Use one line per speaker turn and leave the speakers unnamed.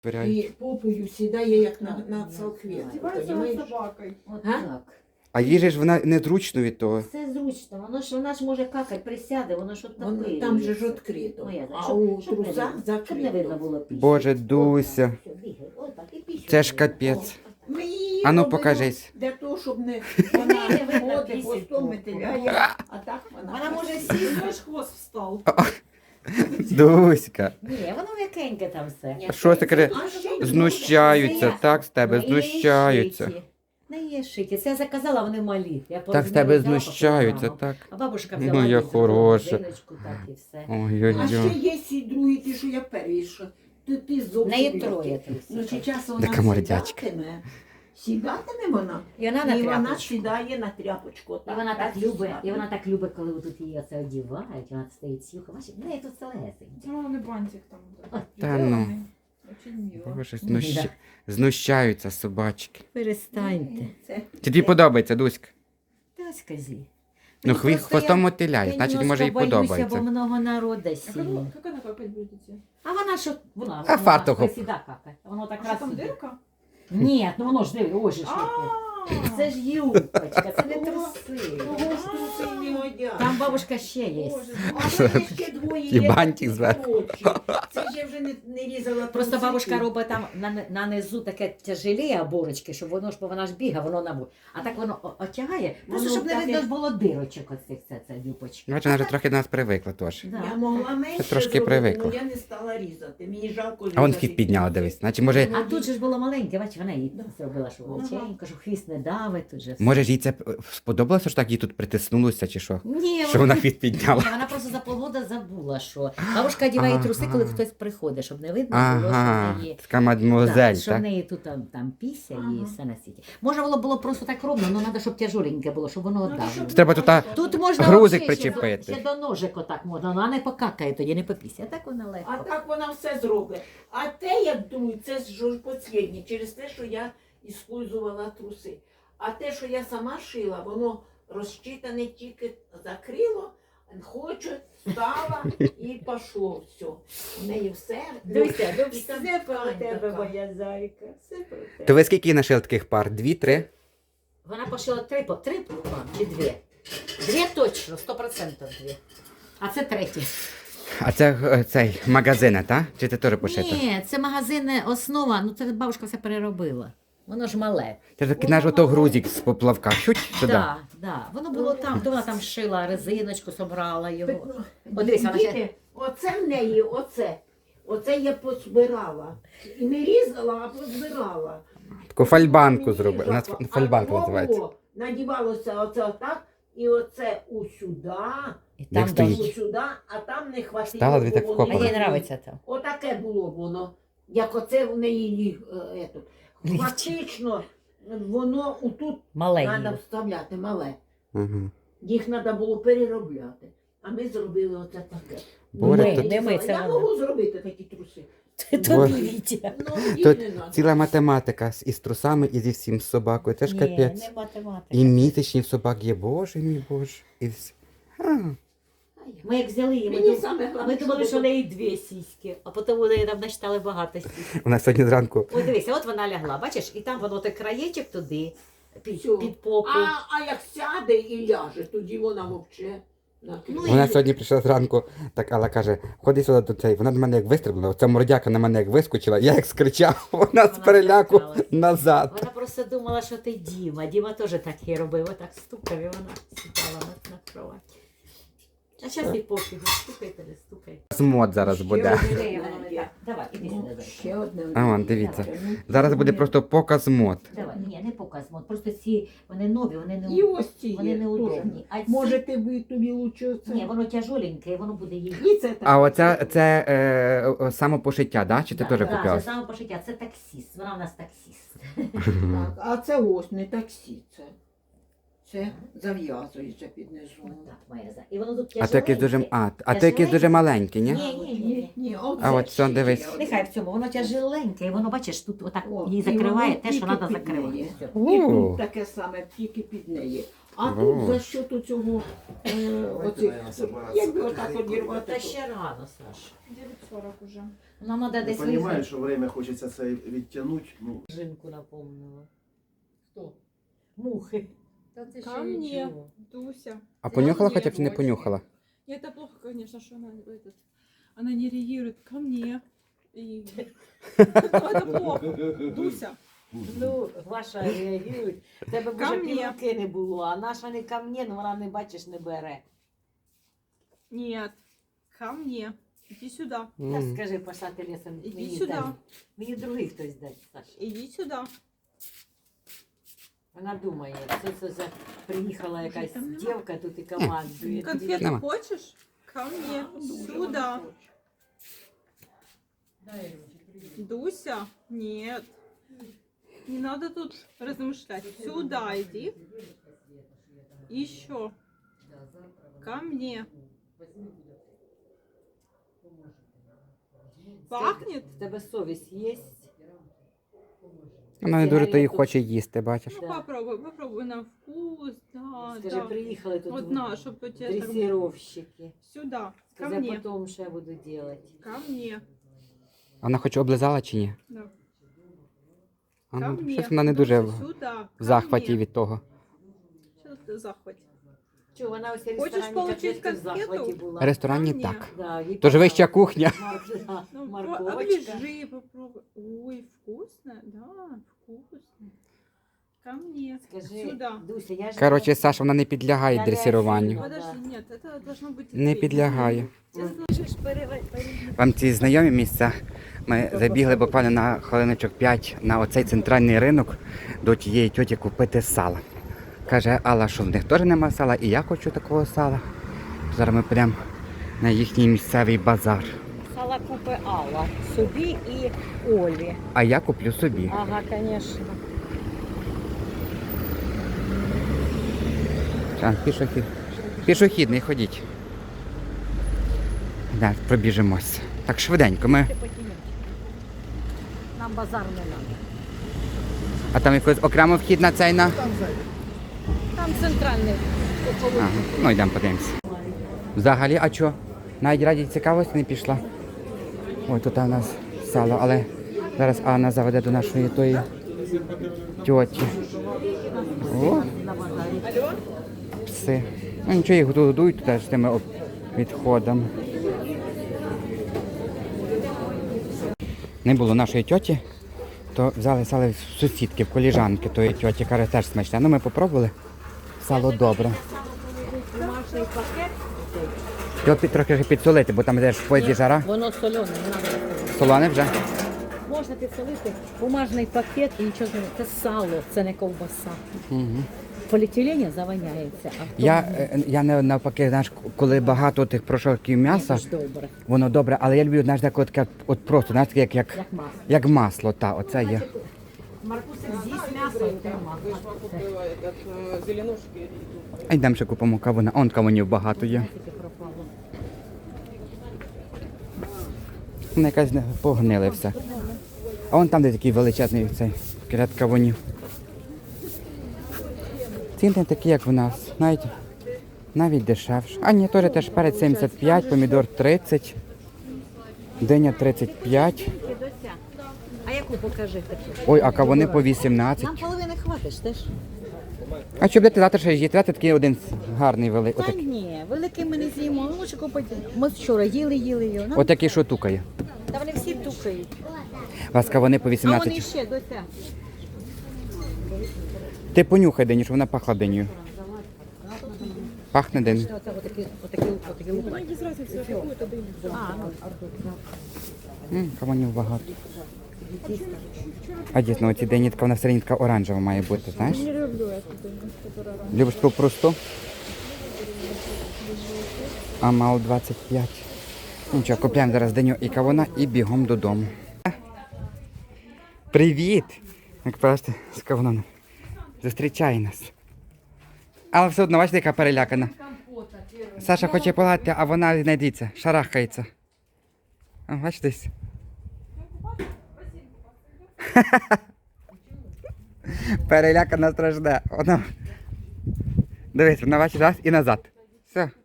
І попою сідає, як на салфетку.
Здівається над собакою.
От
Га?
так.
А їй же ж вона незручно від того.
Все зручно, вона ж може какати, присяде, воно ж отопилюється.
Там же ж відкрито.
Ну, я знаю,
А
щоб-
у
щоб не
трусах
видно, щоб не видно
закрито.
було пісні.
Боже, Дуся. Це ж капець.
Ми її
Ану,
робимо
покажись.
Для того, щоб не вона
Не видно
ходить,
пісні
хвостом
толком.
метеляє, а так
Вона може
сісти.
сісти.
Аж хвост встав.
Дуська.
Ні, воно м'якеньке там все.
Що ти каже?
А ще й
Знущаються, так з тебе,
На її
знущаються.
шиті. На її шиті. Це я заказала, вони малі. Я
Так з тебе
взяла по
знущаються,
кілограму.
так.
А бабушка взяла
Моя
їй
хороша.
корзиночку, так і все.
А
Ой-ой-ой.
ще є ці другі, ті, що я перша. Ти
В
зовсім.
неї
легкий.
троє
Ну,
трусиків.
чи час вона
Така мордячка.
сідатиме вона.
І вона на
І вона
тряпочку.
сідає на тряпочку.
І вона так любить, коли тут її оце одівають, вона стоїть сюха. Бачиш, в неї тут все легесеньке.
Ну, не бантик там.
Та ну.
Очень мило.
Боже,
Да.
знущаються собачки.
Перестаньте.
Це
Чи тобі подобається, Дуська?
Та ось козі.
Ну,
Просто
хвостом
я
мотиляє, значить,
немножко
може, і
боюся,
подобається.
бо много народу сильно.
Как она какать будете?
А вона що? Вона
А фартухом.
присіда какає. Воно так
А
раз
що там
сюди.
дирка?
Ні, ну воно ж диви, ось же ж яке.
А,
Це ж юбочка, це не
Ого.
труси.
Того ж труси не годять.
Там бабушка ще є.
Боже, а в мене ще двоє
І
є
бантик
такі
зверху.
коротші. Це ж я вже не різала.
Просто
трусики.
бабушка робить там на низу таке тяжеліє оборочки, щоб воно ж, бо вона ж бігає, воно набу. А так воно отягає, просто
Воно
щоб не
таке-
видно було дирочок оцих, це юбочки.
Бачиш, вона вже трохи до нас привикла теж.
Да.
Я могла менше
трошки
зробити,
привикла.
але я не стала різати. Мені жалко
А вон
різати.
хвіст підняла, дивись. Значить, може,
А тут же ж було маленьке, бачиш, вона їй зробила, що величенько, що хвіст не давить, тут же все.
може ж їй це сподобалося, що так їй тут притиснулося, чи що?
Ні,
Що вона хвіст підняла?
Ні, вона просто за полгода забула, що бабушка одягає труси, коли
Ага.
хтось приходить, щоб не видно було, що
Ага,
в неї.
така мадмуазель,
Що в
так?
неї тут там піся і все на світі. Може було просто так ровно, але треба, щоб тяжоленьке було, щоб воно оддавило.
Треба тут
Тут можна
грузик
взагалі
причепити.
ще до ножик отак можна, вона не покакає тоді, не попісня. Так вона легко.
А так вона все зробить. А те, я думаю, це ж посліднє, через те, що я іспользувала труси. А те, що я сама шила, воно розчитане тільки закрило, хочу, стала і пішло все. У неї все.
Дивися,
І там
все про
ткань
тебе,
така.
моя зайка, все про тебе.
То ви скільки їй нашили таких пар? Дві, три?
Вона пошила три чи дві? Дві точно, 100% дві. А це третє.
А це цей магазин, так? Чи ти теж пошито?
Ні, це магазинна основа, ну це бабушка все переробила. Воно ж мале.
Це ж такий наш ото грузик з поплавка. Чуть сюди.
Так, да. Воно було там, то вона там шила резиночку, собрала його. От дивись, вона ще-
Діти, оце в неї, оце. Оце я позбирала. І не різала, а позбирала.
Таку фальбанку
Мені
зробили. У нас
жалко.
фальбанка
А
називається.
було, надівалося оце отак, і оце усюда,
І
Як стоїть?
усюда, а там не хватило.
Стала, дві
бо
так
воно-
вхопила.
А їй подобається там.
Отаке було воно. Як оце в неї ліг.
Лігче.
Фактично, воно отут
Мале
треба
її.
вставляти, мале.
Ага.
Їх треба було переробляти. А ми зробили оце таке.
Боже,
Ми,
тут
не ми, це
Я
вона.
можу зробити такі труси.
Тобі Вітя.
Ну, їх
Тут
не надо.
ціла математика із трусами і зі всім з собакою. Це ж
Ні,
капець.
не математика.
І місячні в собак є, боже мій боже. І все. А,
Ми як взяли її,
Мені саме
ми
головне,
думали, що в
щоб-
неї дві сіськи, а потім у неї там начитали багато сіськ.
у нас сьогодні зранку.
Ось дивися, от вона лягла, бачиш, і там воно той краєчок туди,
Всьо.
під попу.
А як сяде і ляже, тоді вона мовче.
Ну,
Вона сьогодні прийшла зранку, так Алла каже, ходи сюди до цей. Вона до мене як вистрибнула, оця мордяка на мене як вискочила, я як скричав, вона з переляку
злякалась.
назад.
Вона просто думала, що ти Діма. Діма теж так і робив, отак стукав, і вона сідала на кроваті. А зараз і пофігу, стукайте, не стукайте.
Змот зараз буде.
Давай, іди сюди.
Ще одне.
А вон, дивіться. Зараз буде просто показ мод.
Давай, ні, не показ, просто ці, вони нові, вони не,
І ось ці
вони
є
неудобні. А
теж.
ці-
Може, тобі лучше оце?
Ні, воно тяжоленьке, і воно буде їй.
І це так.
А оце це самопошиття, да? Чи ти теж
Це
купила?
саме пошиття, це таксіст, вона в нас таксіст.
Так, а це ось не таксі, це зав'язується під низом.
Так, моя за. І воно тут
А то якесь дуже,
тяжеленьке.
а то якесь дуже маленьке, ні?
Ні.
А от що, дивись.
Нехай в цьому, воно тяжеленьке, і воно, бачиш, тут отак
О,
її
і
закриває
воно
те, що
тільки
треба
під
закривати.
неї.
Все.
І
О.
тут таке саме, тільки під неї. А
Во.
тут за що цього оцих, якби отак одірвати.
Та ще рано, Саша.
9:40 уже.
Нам треба
Я
десь
понимаю,
визнати.
що время хочеться це відтягнути. Ну,
Жінку напомнила. Хто? Мухи.
Ко мне, Дуся.
А понюхала хоча б чи не понюхала?
Нет, это плохо, конечно, что она не реагирует ко мне. И... Ну, это плохо. Дуся.
Ну, ваша реагує. Тебе
Ко
може
мне.
півроки не було, а наша не ко мне, ну вона не бачиш, не бере.
Нет. Ко мне. Иди сюда.
Та скажи, пошла ти лісом,
Іди
мені
сюди.
дай. Мені другий хтось дасть, Саша.
Иди сюда.
Вона думає, це за приїхала якась
там нема.
дівка тут і командує.
Конфету
Нема.
хочешь? Ко мне. Сюда. Дуся? Нет. Не надо тут размышлять. Сюда иди. Еще. Ко мне. Пахнет?
В тебе совість є?
Вона не дуже то і хоче їсти, бачиш.
Ну, попробуй на вкус. Да,
Скажи,
да.
приїхали тут
Вот на, чтобы у тебя так-
дресіровщики.
Сюда. Ко
Скажи,
мне.
потім що я буду робити.
Ко мне.
Вона хоч облизала чи ні?
Да.
А,
Ко
ну,
мне.
щось вона не дуже
Душа, сюда.
в захваті від того.
Что ты в захвате?
Чого, вона ось в
Хочеш
ресторані
получить
котлетки в захваті
конфету?
була.
В ресторані
Ко мне.
так.
Да, їй
Тож вища
понравилось.
кухня.
Да,
Ну,
морковочка.
оближи, попробуй. Ой, вкусно, да, вкусно. Ко мне.
Скажи,
Сюда.
Дуся, я ж...
Коротше, Саша, вона не підлягає
Я
дресируванню.
не
Подожди, нет, это должно быть...
Не
ты.
підлягає.
Ты должен-
Вам ці знайомі місця? Ми забігли буквально на хвилиночок 5 на оцей центральний ринок до тієї тьоті купити сала. Каже Алла, що в них теж нема сала, і я хочу такого сала. Зараз ми підемо на їхній місцевий базар.
Сала купи Алла собі і Олі.
А я куплю собі.
Ага, звісно.
Пішохідний, ходіть. Да, пробіжимось. Так швиденько. Ми...
Нам базар не треба.
А там якийсь окремо вхід на цей на.
Там центральний.
Ага, ну йдемо подивимося. Взагалі, а що? Навіть раді цікавості не пішла. Ой, тут у нас сало, але зараз Анна заведе до нашої тої тьоті. О, пси. Ну нічого, їх годують туди з тими відходами. Не було нашої тьоті, то взяли сало в сусідки, в коліжанки тої тьоті, каже, теж смачне. Ну ми попробували, сало добре.
Бумажний пакет.
Його трохи ж підсолити, бо там теж в поїзді жара.
Воно солене, не треба.
Солоне вже.
Можна підсолити бумажний пакет і нічого не. Це сало, це не ковбаса.
Угу.
Поліетилені заваняється, а в
Я не навпаки, знаєш, коли багато тих прошарків м'яса,
ж добре,
воно добре, але я люблю, знаєш, таке от просто, знаєш, таке,
як масло.
як масло, та, оце є.
Маркусик з'їсть м'ясо і тема.
А йдемо ще купимо кавуна. Он кавунів багато є.
Тільки пропало.
Вони якась погнили все. А вон там, де такий величезний цей ряд кавунів. Ціни такі, як в нас, навіть дешевше. А ні, теж перець 75, помідор 30, диня 35.
А яку покажи таку?
Ой, а кавуни по 18.
Нам половини хватиш теж?
А що будете завтра ще їсти? Давайте такий один гарний великий.
Та ні, великий ми не з'їмо, ми лучше купити. Ми вчора їли його. Нам...
Отакий, що тукає.
Та вони всі тукають.
У вас кавуни по
А вони
18.
ще, доця.
Ти понюхай диню, щоб вона пахла динею. Пахне динею.
Оце отакі лупані.
Без разницы, какую это дыню.
А, ну,
Кавунів багато. А дійсно, оці дині така вона середня така оранжева має бути, знаєш?
Не люблю эту дыню, которая рано.
Любиш ту просту? А мало 25. Нічого, купляємо зараз диню і кавуна і бігом додому. Привіт! Як бачите, з кавуном. Зустрічає нас. Але все одно, бачите, яка перелякана. Саша хоче погладити, а вона не дивіться, шарахається. А, бачите? Перелякана страшна. Вона Дивись, вона бачить раз і назад. Все.